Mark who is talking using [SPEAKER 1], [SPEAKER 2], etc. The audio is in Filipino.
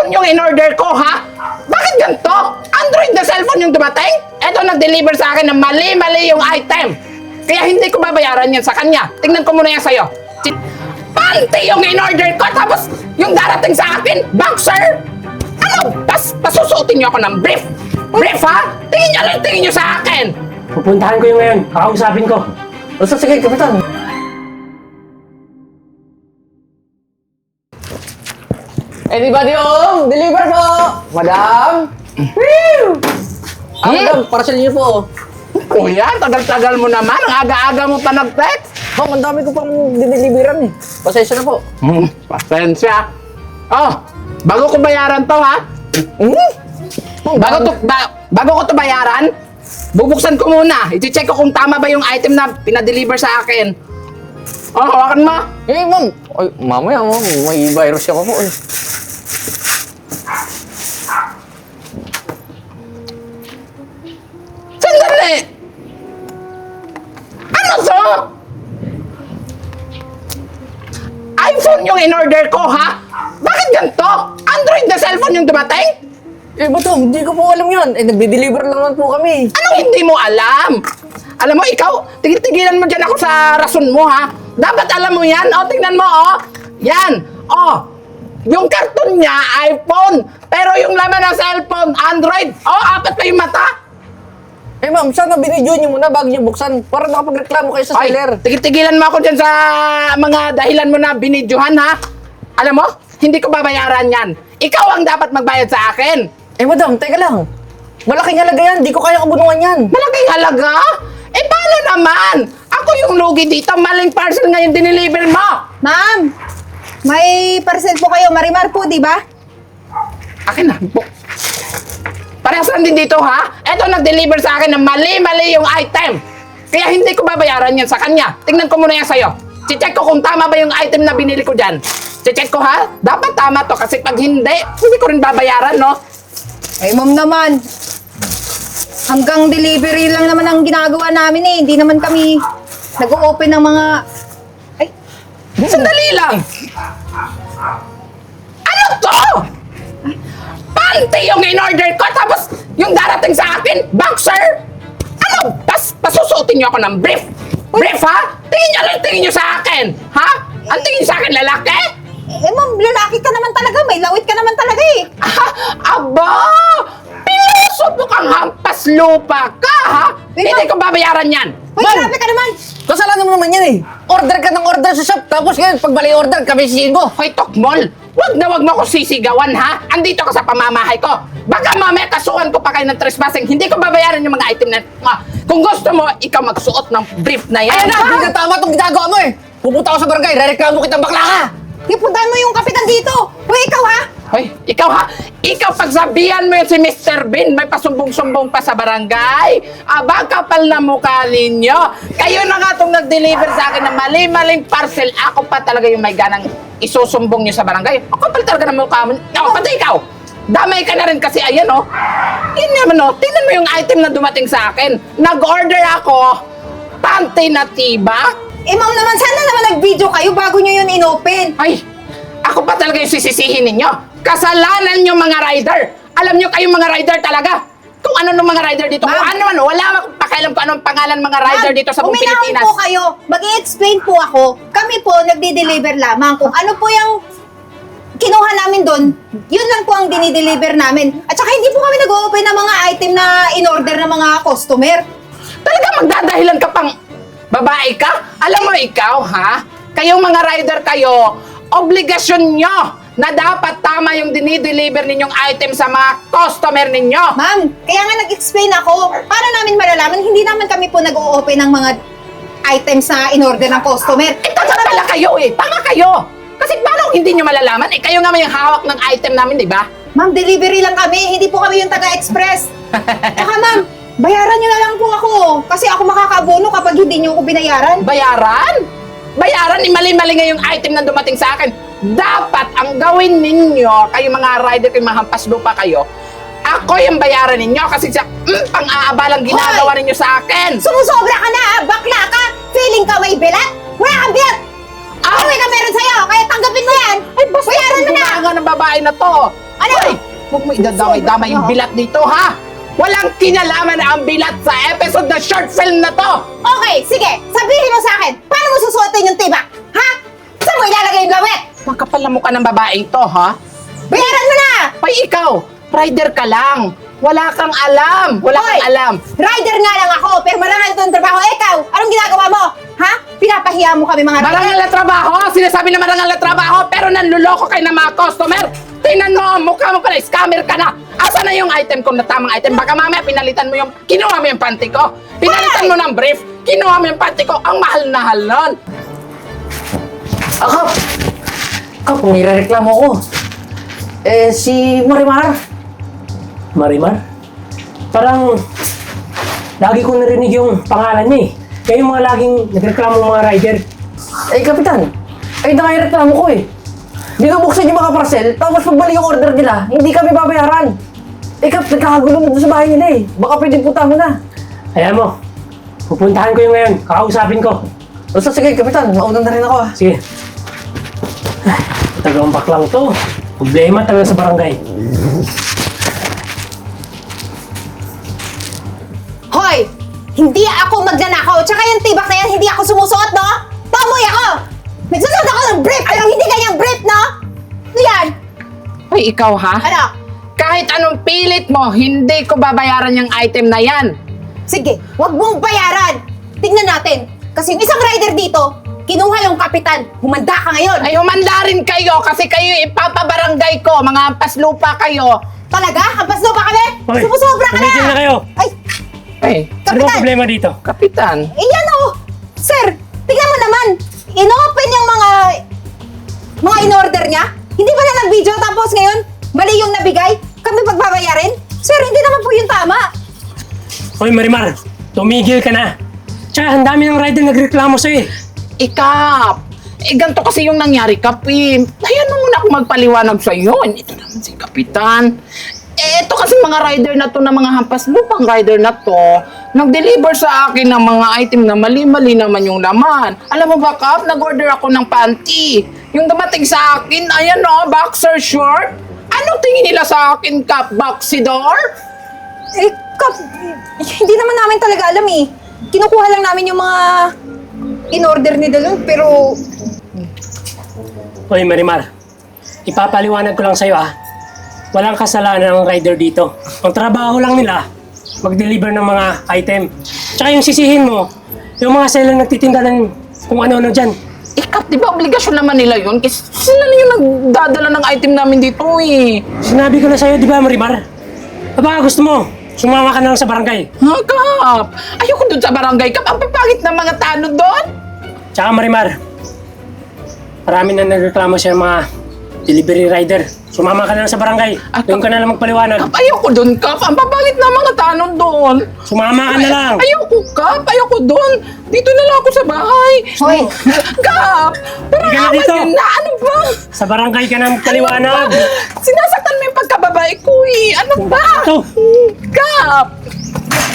[SPEAKER 1] iPhone yung in-order ko, ha? Bakit ganito? Android na cellphone yung dumating? Eto, nag-deliver sa akin na mali-mali yung item. Kaya hindi ko babayaran yan sa kanya. Tingnan ko muna yan sa'yo. Panty yung in-order ko, tapos yung darating sa akin, boxer. Ano? Pasusuotin niyo ako ng brief. Brief, ha? Tingin niyo sa akin.
[SPEAKER 2] Pupuntahan ko yung ngayon. Kakausapin ko.
[SPEAKER 3] O sige, Kapitan. Anybody home? Deliver po! Madam! Woo! Madam, parcel niyo po.
[SPEAKER 1] Kuya, tagal-tagal mo naman. Ang aga-aga mo pa nag-text.
[SPEAKER 3] Ang dami ko pang diniliveran eh. Pasensya na po.
[SPEAKER 1] Pasensya. Oh, bago ko bayaran to, ha? Bago ko to bayaran, bubuksan ko muna. I-check ko kung tama ba yung item na pinadeliver sa akin. Oh, hawakan mo.
[SPEAKER 3] Eh, ma'am. Ay, mamaya, ma'am. May virus ako po eh.
[SPEAKER 1] Sandali! Ano to? iPhone yung in-order ko, ha? Bakit ganito? Android na cellphone yung dumating?
[SPEAKER 3] Eh, bato, hindi ko po alam yan. Eh, nagde-deliver lang naman po kami.
[SPEAKER 1] Anong hindi mo alam? Alam mo, ikaw, tigil-tigilan mo dyan ako sa rason mo, ha? Dapat alam mo yan. O, tingnan mo, o. Yan. O, yung karton niya, iPhone. Pero yung laman ng cellphone, Android. O, apat pa yung mata.
[SPEAKER 3] Eh, ma'am, sana binidyo niyo muna bago niyo buksan para makapagreklamo kayo sa seller.
[SPEAKER 1] Tigil-tigilan mo ako dyan sa mga dahilan mo na binidyohan, ha? Alam mo, hindi ko babayaran yan. Ikaw ang dapat magbayad sa akin.
[SPEAKER 3] Eh, madam, teka lang. Malaking halaga yan. Di ko kaya kabunungan yan.
[SPEAKER 1] Malaking halaga? Eh, paano naman? Ako yung lugi dito. Maling parcel ngayon diniliver mo.
[SPEAKER 4] Ma'am, may parcel po kayo. Marimar po, di ba?
[SPEAKER 1] Akin na. Parehas lang din dito, ha? Eto, nag-deliver sa akin na mali-mali yung item. Kaya hindi ko babayaran yan sa kanya. Tingnan ko muna yan sa'yo. Check ko kung tama ba yung item na binili ko dyan. Check ko, ha? Dapat tama to kasi pag hindi ko rin babayaran, no?
[SPEAKER 4] Eh, ma'am naman. Hanggang delivery lang naman ang ginagawa namin eh. Hindi naman kami nag-o-open ng mga... Ay,
[SPEAKER 1] Sandali lang. Ano to? Panty yung in-order ko, tapos yung darating sa akin, boxer. Ano? Pasusuotin niyo ako ng brief. Brief, ha? Tingin niyo sa akin. Ha? Ang tingin niyo sa akin, lalaki?
[SPEAKER 4] ma'am, lalaki ka naman talaga. May lawit ka naman talaga eh.
[SPEAKER 1] Aba! Piloso mo kang hampas lupa ka, ha?
[SPEAKER 4] Wait,
[SPEAKER 1] Hindi
[SPEAKER 4] ma'am.
[SPEAKER 1] ko babayaran yan.
[SPEAKER 4] Uy, grabe ka naman.
[SPEAKER 3] Kasalanan mo naman yan eh. Order ka ng order sa shop. Tapos ngayon, pag mali order, kami sisihin mo.
[SPEAKER 1] Hoy, Tokmol! Wag mo ako sisigawan, ha? Andito ka sa pamamahay ko. Baka mamaya kasuhan ko pa kayo ng trespassing. Hindi ko babayaran yung mga item na... Kung gusto mo, ikaw magsuot ng brief na yan.
[SPEAKER 3] Ayan na, hindi na tama itong ginagawa mo eh. Pupunta ako sa barangay, rereklamo kitang bakla ka.
[SPEAKER 4] Ipuntahan mo yung kapitan dito. Uy, ikaw ha?
[SPEAKER 1] Hoy, ikaw ha? Ikaw pagsabihan mo yun si Mr. Bean, may pasumbong-sumbong pa sa barangay. Aba, kapal na mukha ninyo. Kayo na nga itong nag-deliver sa akin ng mali-maling parcel. Ako pa talaga yung may ganang isusumbong nyo sa barangay. Ako kapal talaga ng mukha mo. Ako, pati ikaw. Damay ka na rin kasi, ayan oh. Yun naman oh, tingnan mo yung item na dumating sa akin. Nag-order ako, panty na tibak.
[SPEAKER 4] Eh, ma'am naman, sana naman nag-video kayo bago nyo yun in-open.
[SPEAKER 1] Ay, ako pa talaga yung sisisihin ninyo. Kasalanan nyo mga rider. Alam nyo kayong mga rider talaga. Kung ano ng mga rider dito. Kung
[SPEAKER 4] Ma'am.
[SPEAKER 1] ano man, wala akong pakialam kung anong pangalan mga rider
[SPEAKER 4] Ma'am,
[SPEAKER 1] dito sa buong
[SPEAKER 4] uminahon
[SPEAKER 1] Pilipinas.
[SPEAKER 4] po kayo. Mag-i-explain po ako. Kami po, nagdi-deliver lamang. Kung ano po yung kinuha namin doon, yun lang po ang dinideliver namin. At saka hindi po kami nag-open ng mga item na in-order ng mga customer.
[SPEAKER 1] Talaga magdadahilan ka pang babae ka? Alam mo ikaw, ha? Kayong mga rider kayo, obligasyon nyo na dapat tama yung dinideliver ninyong item sa mga customer ninyo.
[SPEAKER 4] Ma'am, kaya nga nag-explain ako. Para namin malalaman, hindi naman kami po nag-o-open ng mga items na in-order ng customer.
[SPEAKER 1] Eh, tama pala kayo eh. Tama kayo. Kasi paano hindi nyo malalaman? Eh, kayo nga may hawak ng item namin, di ba?
[SPEAKER 4] Ma'am, delivery lang kami. Hindi po kami yung taga-express. Saka ma'am, bayaran nyo na lang po ako. Kasi ako makakabono kapag hindi nyo ako binayaran.
[SPEAKER 1] Bayaran? Bayaran? Mali-mali nga yung item na dumating sa akin. Dapat ang gawin ninyo, kayo mga rider, kayo mga hampas lupa kayo, ako yung bayaran ninyo kasi sa pang-aabalang ginagawa ninyo sa akin.
[SPEAKER 4] Sumusobra ka na, bakla ka! Feeling ka may bilat? Wala kang bilat! Ano ka meron sa'yo? Kaya tanggapin mo yan!
[SPEAKER 1] Ay, basta
[SPEAKER 4] bayaran mo na!
[SPEAKER 1] ng babae na to.
[SPEAKER 4] Ano?
[SPEAKER 1] Hoy! Huwag mo idadamay-damay yung bilat dito, ha? Walang kinalaman na ang bilat sa episode na short film na to!
[SPEAKER 4] Okay, sige. Sabihin mo sa akin, paano mo susuotin yung tibak? Ha? Saan mo ilalagay yung gamit?
[SPEAKER 1] Makapal na mukha ng babaeng to, ha?
[SPEAKER 4] Bayaran mo na!
[SPEAKER 1] Hoy, ikaw! Rider ka lang! Wala kang alam! Wala
[SPEAKER 4] Hoy!
[SPEAKER 1] kang alam!
[SPEAKER 4] Rider nga lang ako, pero marangal ito ang trabaho. Ikaw, anong ginagawa mo? Ha? Pinapahiya mo kami mga rider?
[SPEAKER 1] Marangal na trabaho! Sinasabi na marangal na trabaho, pero nanluloko kayo ng mga customer! Tingnan mo, mukha mo pala, scammer ka na! Asa na yung item ko na tamang item? Baka mamaya pinalitan mo yung, kinuha mo yung panty ko! Pinalitan mo ng brief, kinuha mo yung panty ko, ang mahal-nahal nun!
[SPEAKER 3] Kap! Kap, nire-reklamo ko. Si Marimar.
[SPEAKER 2] Marimar? Parang lagi ko narinig yung pangalan niya eh. Kaya yung mga laging nagreklamo ng mga rider.
[SPEAKER 3] Kapitan. Ay, reklamo ko eh. Binubuksan yung mga parcel, tapos pagbalik yung order nila, hindi kami babayaran. Kap, nagkakagulo na doon sa bahay nila eh. Baka pwede punta mo na.
[SPEAKER 2] Ayan mo, pupuntahan ko yung ngayon. Kakausapin ko.
[SPEAKER 3] Basta sige, Kapitan. Mauna na rin ako ah.
[SPEAKER 2] Sige. Ay, tagang baklang to. Problema talaga sa barangay.
[SPEAKER 4] Hoy! Hindi ako magnanakaw. Tsaka yung tibak na yan, hindi ako sumusuot, no? Pamoy ako! Nagsusuot ako ng brief, pero hindi ganyang brief, no? Ano yan?
[SPEAKER 1] Hoy, ikaw ha?
[SPEAKER 4] Ano?
[SPEAKER 1] Kahit anong pilit mo, hindi ko babayaran yung item na yan!
[SPEAKER 4] Sige, wag mong bayaran. Tingnan natin. Kasi yung isang rider dito, kinuha yung kapitan. Humanda ka ngayon.
[SPEAKER 1] Ay, humanda rin kayo kasi kayo ipapabarangay ko, mga paslupa kayo!
[SPEAKER 4] Talaga? Hampas daw ba kami?
[SPEAKER 2] Hoy,
[SPEAKER 4] Sumusobra ka na!
[SPEAKER 2] tumigil na kayo.
[SPEAKER 4] Ay,
[SPEAKER 1] Ay,
[SPEAKER 2] Ano ba
[SPEAKER 4] Kapitan!
[SPEAKER 2] problema dito?
[SPEAKER 1] kapitan!
[SPEAKER 4] Iyan oh! Sir, tingnan mo naman. In-open yung mga in-order niya. Hindi ba na nag-video tapos ngayon, mali yung nabigay? Kami pagbabayarin? Sir, hindi naman po yung tama.
[SPEAKER 2] Hoy Marimar, tumigil ka na. Tsaka ang dami ng rider nagreklamo sa'yo eh.
[SPEAKER 1] Ikap! Ganito kasi yung nangyari, Kapi. Hayaan mo muna ako magpaliwanag sa iyo. Ito naman si Kapitan. Ito kasi mga rider na to, na mga hampas lupang rider na to, nag-deliver sa akin ng mga item na mali-mali naman yung laman. Alam mo ba, Kap, nag-order ako ng panty. Yung dumating sa akin, ayan o, boxer short. Anong tingin nila sa akin, Kap? Boxydor?
[SPEAKER 4] Kap, hindi naman namin talaga alam eh. Kinukuha lang namin yung mga in-order ni Dalon, pero...
[SPEAKER 2] Hoy Marimar, ipapaliwanag ko lang sa'yo ah. Walang kasalanan ng rider dito. Ang trabaho lang nila, mag-deliver ng mga item. Tsaka yung sisihin mo, yung mga seller nagtitinda ng kung ano-ano dyan.
[SPEAKER 1] Kap, di ba obligasyon naman nila yun? Kasi sila na yung nagdadala ng item namin dito eh.
[SPEAKER 2] Sinabi ko na sa'yo, di ba Marimar? Baka gusto mo, sumama ka na lang sa barangay.
[SPEAKER 1] Ha, Kap? Ayoko dun sa barangay, Kap. Ang papangit ng mga tanod doon.
[SPEAKER 2] Tsaka Marimar, marami na nagreklamo sa mga delivery rider. Sumama ka na lang sa barangay. Doon ka na lang magpaliwanag.
[SPEAKER 1] Kap, ayoko dun, Kap. Ang papangit ng mga tanod doon.
[SPEAKER 2] Sumama ka na lang.
[SPEAKER 1] Ayoko, Kap. Ayoko dun. Dito na lang ako sa bahay.
[SPEAKER 4] Hoy!
[SPEAKER 1] Kap! Parang
[SPEAKER 2] Hindi ka na
[SPEAKER 1] awan
[SPEAKER 2] dito.
[SPEAKER 1] yun na. Ano ba?
[SPEAKER 2] Sa barangay ka na magpaliwanag.
[SPEAKER 1] Ano ba? Sinasaktan mo yung pagkababae ko eh. Ano ba?
[SPEAKER 2] Ito.
[SPEAKER 1] Kap!